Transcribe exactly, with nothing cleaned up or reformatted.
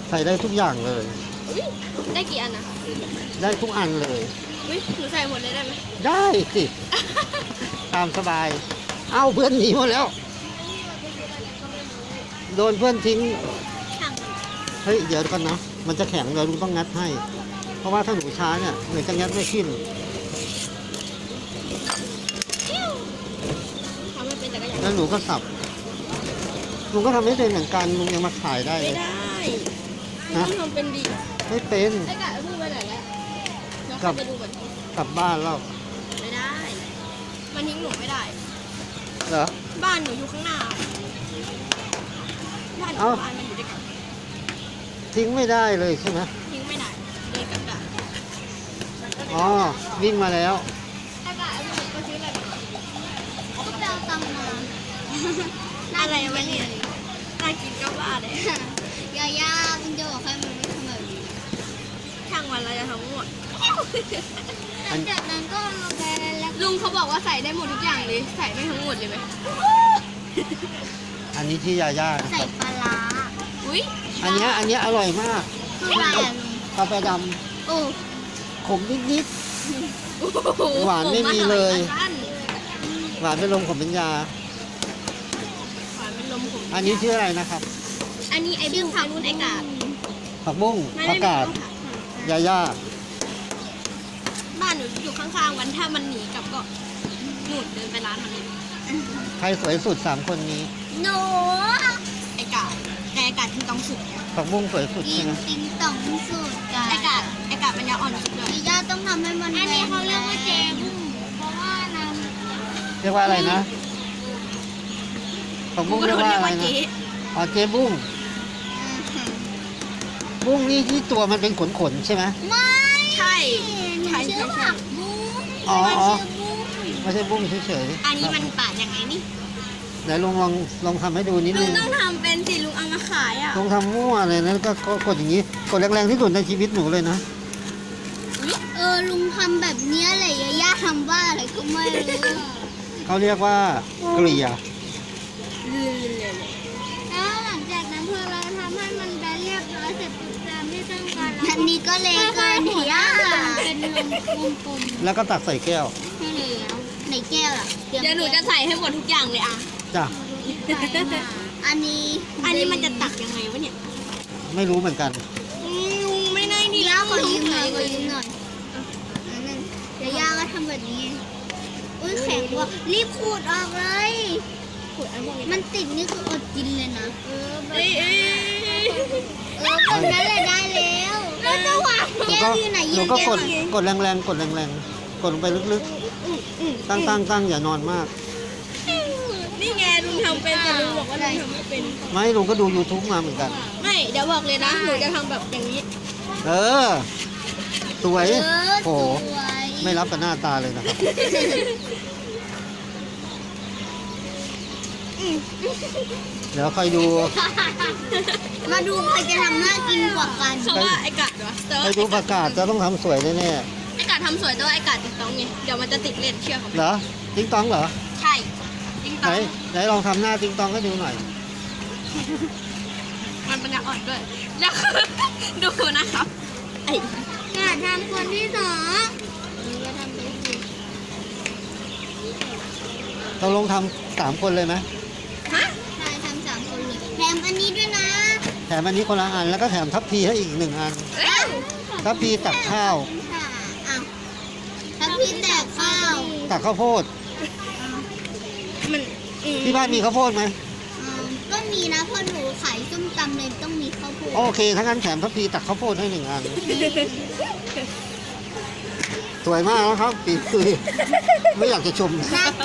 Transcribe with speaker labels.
Speaker 1: ใส่ได้ทุกอย่างเลย
Speaker 2: อุ๊ยได้กี่อันนะ
Speaker 1: ได้ทุกอันเลย
Speaker 2: อุ้ยหนูใส่หมดเลยได้ไหม
Speaker 1: ได้สิ ตามสบาย เอ้าเพื่อนหนีหมดแล้ว โดนเพื่อนทิ้ง
Speaker 2: ช่าง
Speaker 1: เฮ้ยเดี๋ยวก่อนนะ มันจะแข็งเดี๋ยวลุงต้องงัดให้ เพราะว่าถ้าหนูช้าเนี่ยหนูจะงัดไม่ขึ้น
Speaker 2: ทำให้เป็นจักรยาน
Speaker 1: แล้วหนูก็สับ ลุงก็ทำไม่เป็นเหมือนกันลุงยังมาขายได้เล
Speaker 2: ไม่
Speaker 1: ย
Speaker 2: ได้
Speaker 1: ฮะ
Speaker 2: ต้องทำเป็นดี
Speaker 1: ไม่เป็น
Speaker 2: ไอ้กะพูดไปไหนแล้วเดี๋ยว
Speaker 1: กลั
Speaker 2: เข้า
Speaker 1: บ
Speaker 2: ไปดูก่อน
Speaker 1: กลับบ้านแล้ว
Speaker 2: ไม่ได้ มันทิ้งหนูไม่ได้
Speaker 1: เหรอ
Speaker 2: บ้านหนูอยู่ข้างหน้า บ้านหนู
Speaker 1: เอ้า
Speaker 2: บ้านมันอยู่ด้วยกัน
Speaker 1: ทิ้งไม่ได้เลยใช่ไหม
Speaker 2: ทิ้งไม่ได้เลยกลับได้
Speaker 1: อ๋อ วิ่งมาแล้ว
Speaker 2: ไอ้กะไอ้หนูก็ซื้ออะไรมา
Speaker 3: ก็ไปเอาตังค์มา
Speaker 2: อะไรวะเนี่ยน่ากินก็บ้าเลย
Speaker 3: ยาย่าคุณจะบอกให้มันไม่ทำแบบนี้
Speaker 2: ช่างวันเราจะทำหมด
Speaker 3: หลังจากนั้นก็เอาไปแล้ว
Speaker 2: ลุงเขาบอกว่าใส่ได้หมดทุกอย่างเลย ใส่ไม่ทั้งหมดเลยไหม
Speaker 1: อันนี้ที่ยาย่านะ
Speaker 3: ใส่
Speaker 1: ครับ
Speaker 3: ปลาร้า
Speaker 2: อุ้ย
Speaker 1: อันเนี้ยอันเนี้ยอร่อยมาก
Speaker 3: คืออะไรอ่ะลุง
Speaker 1: กาแฟด
Speaker 3: โอ้
Speaker 1: ำขมนิด
Speaker 2: โอ้โ
Speaker 1: หวานไม่มีเลย
Speaker 2: หวาน
Speaker 1: ๆ หวานเป็นลมขมเป็นยา
Speaker 2: เป็นลมผม
Speaker 1: อันนี้ชื่ออะไรนะครับ
Speaker 2: อันนี้ไอ้บุ้งไอ้นุ่นไอ้กาด
Speaker 1: ผักบุ้ง
Speaker 2: ไม่
Speaker 1: ผัก
Speaker 2: ได้
Speaker 1: กาด
Speaker 2: ไม่ต้อง
Speaker 1: ยาย่า
Speaker 2: บ้านหนูอยู่ข้างๆวันถ้ามันหนีกลับก็หนูเดินไปร้านมันเลย
Speaker 1: ใครสวยสุดสามคนนี้
Speaker 3: หนู
Speaker 2: ไอ้กาดแต่ไอ้กาดที่ต้องสุดไง
Speaker 1: ผักบุ้งสวยสุด
Speaker 3: กิ
Speaker 1: ใช่
Speaker 3: น
Speaker 1: ไหม
Speaker 3: ติงต่องสูตรกัน
Speaker 2: ไอ้กาดไอ้กาดมันยังอ่อนสุดเลย
Speaker 3: ยาย่าต้องทำให้มันอันนี้เขาเรียกว่าเจบุ้งเพราะว่าน้ำ
Speaker 1: เรียกว่าอะไรนะ ผักบุ้งเรียกว่าอะไรนะ
Speaker 2: เจ๊
Speaker 1: อ๋อเจ๊บุ้ง บุ้งนี่ที่ตัวมันเป็นขนๆใช่ไหม
Speaker 3: ไม่
Speaker 2: ใช่
Speaker 3: หนู
Speaker 2: ใช่
Speaker 3: ชื่
Speaker 2: ใช่
Speaker 3: อ
Speaker 2: ใช่
Speaker 3: ผักบุ้ง
Speaker 1: อ๋อ
Speaker 3: ไม่
Speaker 1: อ๋อ
Speaker 3: ชื่อบุ้ง
Speaker 1: ไม่ใช่บุ้งเฉยๆ
Speaker 2: อันนี้มันปาดยังไงนี่
Speaker 1: ไหนลองลองลองทำให้ดูนิด
Speaker 2: ลุ
Speaker 1: นึ
Speaker 2: ง
Speaker 1: ง
Speaker 2: ต้องทำเป็นสิลุงเอามาขายอ่ะ
Speaker 1: ลองทำมั่วเลยนะก็ก็กดอย่างนี้ กดแรงๆที่สุดในชีวิตหนูเลยนะ
Speaker 3: เออลุงทำแบบเนี้ยเลยยาย่าทำบ้าอะไรก็ไม่รู้
Speaker 1: เขาเรียกว่าเกลี่ย
Speaker 2: ลื่นเลย
Speaker 3: แล้วหลังจากนั้นพอเราทำให้มันได้เรียบร้อยเสร็จปุ๊บตามที่ต้องการอันนี้ก็เลยเกินเหียเป็นวงกลม
Speaker 1: แล้วก็ตักใส่แก้ว
Speaker 3: ให้แล้วในแก้วล่ะ
Speaker 2: เดี๋ยวหนูจะใส่ให้หมดทุกอย่างเลยอ่ะ
Speaker 1: จ้ะ
Speaker 3: อันนี้
Speaker 2: อันนี้มันจะตักยังไงวะเนี่ย
Speaker 1: ไม่รู้เหมือนกัน
Speaker 2: อืมลุงไม่ได้ดี
Speaker 3: ย่าขอยืมหน่อยขอยืมหน่อยอันนั้นเดี๋ยวย่าก็ทำแบบนี้อุ้ยแข็งว่ะรีบขูดออกเลย
Speaker 2: ขูดอันพวกนี้
Speaker 3: มันติดนี่คืออดกินเลยนะเออแบบ
Speaker 2: เอ้ยเอ้ย
Speaker 3: เออแบบนั้นเลยได้แล้วแล้วจะวาง
Speaker 1: หนู
Speaker 3: แก้
Speaker 1: ก็
Speaker 3: วอยู่ไหน
Speaker 1: ห
Speaker 3: ยื
Speaker 1: นู
Speaker 3: น
Speaker 1: ก็
Speaker 3: แก้
Speaker 1: ก
Speaker 3: ว
Speaker 1: ด
Speaker 3: อยู่
Speaker 1: กดแรงๆ กดแรงๆ กดลงไปลึก
Speaker 2: อืมอืม
Speaker 1: ๆ ตั้งตั้งตั้งอย่านอนมาก
Speaker 2: นี่ไงลุงทำเป็นแต่ลุงบอกว่าลุงทำไม่เป็น
Speaker 1: ไม่ลุงก็ดู YouTube มาเหมือนกัน
Speaker 2: ไม่ เดี๋ยวบอกเลยนะ หนูจะทำแบบอย่างนี้
Speaker 1: เออ สวย
Speaker 3: เออ
Speaker 1: โห
Speaker 3: สวย
Speaker 1: ไม่รับกับหน้าตาเลยนะครับ เดี๋ยวคอยดู
Speaker 3: มาดูใครจะทำน่ากินกว่ากัน
Speaker 2: เขาว่าไอ้กาดวะแต่
Speaker 1: ค
Speaker 2: ว่า
Speaker 1: อยดูประกาศจะต้องทำสวยแน่
Speaker 2: ไอ้กาดทำสวยแต่ว่าไอ้กาดติดต้องไง เดี๋ยวมันจะติดเล่นเชื่อเขาไหม
Speaker 1: ๆเหรอ ติ๊งตองเหรอ
Speaker 2: ใช่ติง
Speaker 1: ไห
Speaker 2: ต้
Speaker 1: น
Speaker 2: อง
Speaker 1: ไหนลองทำหน้าติ๊งตองให้ดูหน่อย
Speaker 2: มันปัญญาอ่อนด้วย แล้วคือดูนะครับไอ้
Speaker 3: อยากทำคนที่สองนี่ก็ทำไปสิ
Speaker 1: เราลงทำสามคนเลยไหม
Speaker 2: ฮะ
Speaker 3: ใช่ทำสามคนเลยแถมอันนี้ด้วยนะ
Speaker 1: แถมอันนี้คนละอัน แล้วก็แถมทัพพีให้อีกหนึ่งอัน
Speaker 2: เอ้ย
Speaker 1: ทัพพีตักข้าว
Speaker 3: ค่ะอ้าวถ้าพี่แตกข้าว
Speaker 1: ตักข้าวโพด
Speaker 2: มันอืม
Speaker 1: ที่บ้านมีข้าวโพดไหม
Speaker 3: อืมก็มีนะเพราะหนูขายส้มตำเลยต้องมีข้าวโพด
Speaker 1: โอเคถ้างั้นแถมทัพพีตักข้าวโพดให้หนึ่งอัน สวยมากนะครับปีคือไม่อยากจะชม
Speaker 3: น่า